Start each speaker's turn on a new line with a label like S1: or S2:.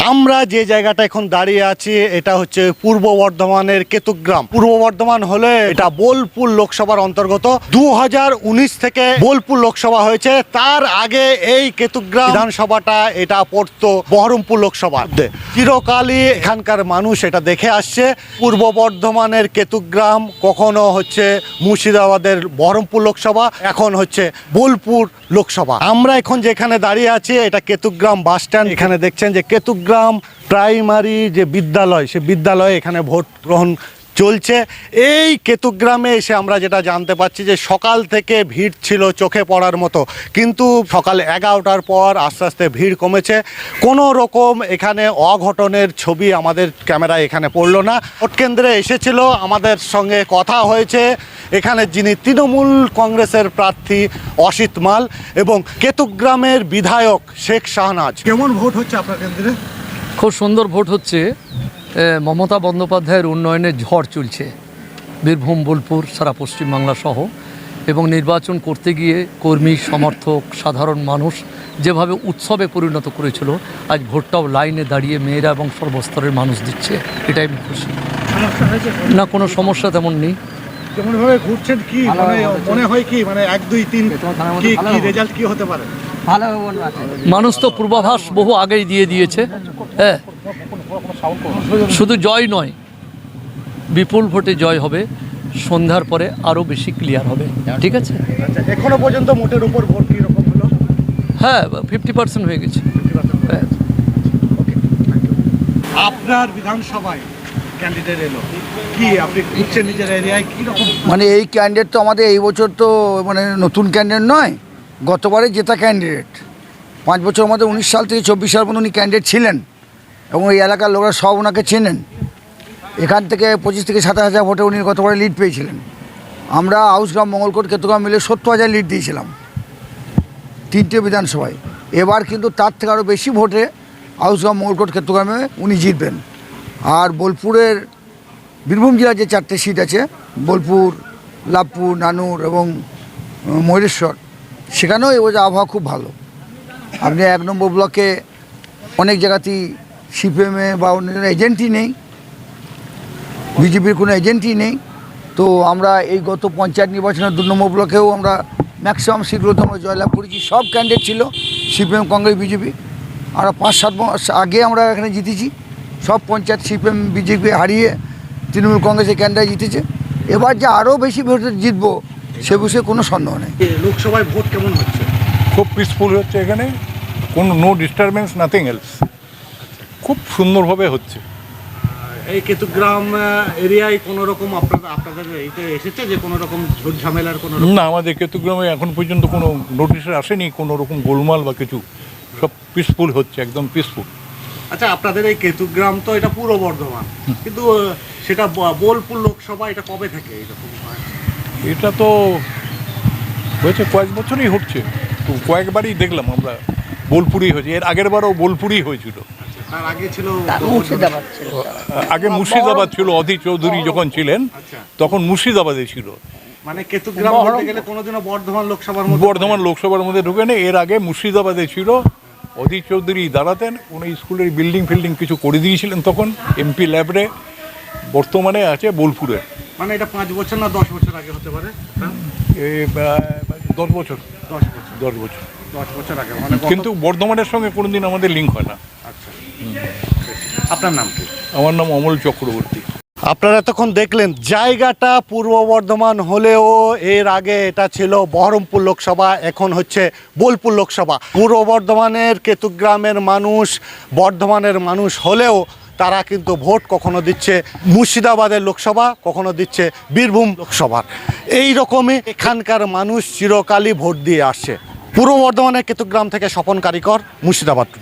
S1: আমরা যে জায়গাটা এখন দাঁড়িয়ে আছি এটা হচ্ছে পূর্ব বর্ধমানের কেতুগ্রাম। পূর্ব বর্ধমান হলে এটা বোলপুর লোকসভার অন্তর্গত। 2019 থেকে বোলপুর লোকসভা হয়েছে, তার আগে এই কেতুগ্রাম বিধানসভাটা এটা পড়তো বহরমপুর লোকসভা। চিরকালই এখানকার মানুষ এটা দেখে আসছে। পূর্ব বর্ধমানের কেতুগ্রাম কখনো হচ্ছে মুর্শিদাবাদের বহরমপুর লোকসভা, এখন হচ্ছে বোলপুর লোকসভা। আমরা এখন যেখানে দাঁড়িয়ে আছি এটা কেতুগ্রাম বাস স্ট্যান্ড। এখানে দেখছেন যে কেতুগ্রাম প্রাইমারি যে বিদ্যালয়, সে বিদ্যালয়ে এখানে ভোট গ্রহণ চলছে। এই কেতুগ্রামে এসে আমরা যেটা জানতে পারছি যে সকাল থেকে ভিড় ছিল চোখে পড়ার মতো, কিন্তু সকাল 11টার পর আস্তে আস্তে ভিড় কমেছে। কোনো রকম এখানে অঘটনের ছবি আমাদের ক্যামেরায় এখানে পড়লো না। ভোট কেন্দ্রে এসেছিল, আমাদের সঙ্গে কথা হয়েছে এখানে যিনি তৃণমূল কংগ্রেসের প্রার্থী অসিত মাল এবং কেতুগ্রামের বিধায়ক শেখ শাহনাজ। কেমন ভোট হচ্ছে আপনার কেন্দ্রে?
S2: খুব সুন্দর ভোট হচ্ছে। মমতা বন্দ্যোপাধ্যায়ের উন্নয়নের ঝড় চলছে বীরভূম, বোলপুর, সারা পশ্চিমবাংলা সহ। এবং নির্বাচন করতে গিয়ে কর্মী, সমর্থক, সাধারণ মানুষ যেভাবে উৎসবে পরিণত করেছিল, আজ ভোটটাও লাইনে দাঁড়িয়ে মেয়েরা এবং সর্বস্তরের মানুষ দিচ্ছে। এটাই আমি খুশি। না, কোনো সমস্যা তেমন নেই।
S1: কেমনভাবে ঘুরছেন কি মনে হয়, কি মানে 1, 2, 3 কি রেজাল্ট কি হতে পারে?
S2: মানুষ তো পূর্বাভাস বহু আগেই দিয়ে দিয়েছে। হ্যাঁ, শুধু জয় নয়, বিপুল ভোটে জয় হবে। সন্ধ্যার পরে আরও বেশি ক্লিয়ার হবে। ঠিক আছে,
S1: এখনো পর্যন্ত মোটের উপর ভোট কীরকম হলো?
S2: হ্যাঁ, 50% হয়ে গেছে। হ্যাঁ।
S1: আপনার বিধানসভায় ক্যান্ডিডেট এলো, কি আপনি বুঝছেন নিজের এরিয়ায় কীরকম?
S3: মানে এই ক্যান্ডিডেট তো আমাদের এই বছর তো মানে নতুন ক্যান্ডিডেট নয়, গতবারে জেতা ক্যান্ডিডেট। 5 বছর আমাদের 19 সাল থেকে 24 সাল পর্যন্ত উনি ক্যান্ডিডেট ছিলেন এবং এই এলাকার লোকরা সব ওনাকে চেনেন। এখান থেকে 25 থেকে 27,000 ভোটে উনি গতবারে লিড পেয়েছিলেন। আমরা আউসগ্রাম, মঙ্গলকোট, কেতুগ্রাম মিলে 70,000 লিড দিয়েছিলাম 3টে বিধানসভায়। এবার কিন্তু তার থেকে আরও বেশি ভোটে আউসগ্রাম, মঙ্গলকোট, কেতুগ্রামে উনি জিতবেন। আর বোলপুরের বীরভূম জেলার যে 4টে সিট আছে, বোলপুর, লাভপুর, নানুর এবং ময়ূরেশ্বর, সেখানেও এবছর আবহাওয়া খুব ভালো। আপনি 1 নম্বর ব্লকে অনেক জায়গাতেই সিপিএমে বা অন্য এজেন্টই নেই, বিজেপির কোনো এজেন্টই নেই। তো আমরা এই গত পঞ্চায়েত নির্বাচনের 2 নম্বর ব্লকেও আমরা ম্যাক্সিমাম সিটগুলোতে আমরা জয়লাভ করেছি। সব ক্যান্ডিডেট ছিল সিপিএম, কংগ্রেস, বিজেপি। আমরা 5-7 মাস আগে আমরা এখানে জিতেছি। সব পঞ্চায়েত সিপিএম, বিজেপি হারিয়ে তৃণমূল কংগ্রেসের ক্যান্ডিডেট জিতেছে। এবার যে আরও বেশি ভোটে জিতবো সে বিষয়ে কোনো সন্দেহ নেই।
S1: লোকসভায় ভোট কেমন হচ্ছে?
S4: খুব পিসফুল হচ্ছে এখানে, কোনো নো ডিস্টারবেন্স, নাথিং এলস। খুব সুন্দরভাবে হচ্ছে।
S1: এই কেতুগ্রাম এরিয়ায় কোনো রকম আপনাদের এইটা এসেছে যে কোনো রকম ঝুট ঝামেলার কোনো?
S4: না, আমাদের কেতুগ্রামে এখন পর্যন্ত কোনো নোটিশে আসেনি কোনো রকম গোলমাল বা কিছু। সব পিসফুল হচ্ছে, একদম পিসফুল।
S1: আচ্ছা, আপনাদের এই কেতুগ্রাম তো এটা পূর্ব বর্ধমান, কিন্তু সেটা বোলপুর লোকসভা, এটা কবে থেকে এরকম হয়?
S4: এটা তো হয়েছে কয়েক বছরই হচ্ছে, তো কয়েকবারই দেখলাম আমরা বোলপুরই হয়েছে। এর আগের বারও বোলপুরই হয়েছিল।
S1: তার আগে ছিল
S4: আগে মুর্শিদাবাদ ছিল, অধীর চৌধুরী যখন ছিলেন তখন মুর্শিদাবাদে ছিল।
S1: মানে কেতুগ্রাম বলতে গেলে কোনোদিনও বর্ধমান
S4: লোকসভার মধ্যে ঢুকে নেই। এর আগে মুর্শিদাবাদে ছিল, অধীর চৌধুরী দাঁড়াতেন। উনি স্কুলের বিল্ডিং কিছু করে দিয়েছিলেন তখন এমপি ল্যাবরে। বর্তমানে আছে বোলপুরে।
S1: মানে এটা 5 বছর না 10 বছর আগে হতে পারে?
S4: 10 বছর
S1: 10 বছর আগে। মানে
S4: কিন্তু বর্ধমানের সঙ্গে কোনোদিন আমাদের লিঙ্ক হয় না।
S1: আচ্ছা, আপনার নাম কি?
S4: আমার নাম অমল চক্রবর্তী।
S1: আপনারা তখন দেখলেন জায়গাটা পূর্ব বর্ধমান হলেও এর আগে এটা ছিল বহরমপুর লোকসভা, এখন হচ্ছে বোলপুর লোকসভা। পূর্ব বর্ধমানের কেতুগ্রামের মানুষ বর্ধমানের মানুষ হলেও তারা কিন্তু ভোট কখনো দিচ্ছে মুর্শিদাবাদের লোকসভা, কখনো দিচ্ছে বীরভূম লোকসভার। এই রকমই এখানকার মানুষ চিরকালই ভোট দিয়ে আসছে। পূর্ব বর্ধমানের কেতুগ্রাম থেকে স্বপন কারিকর, মুর্শিদাবাদ।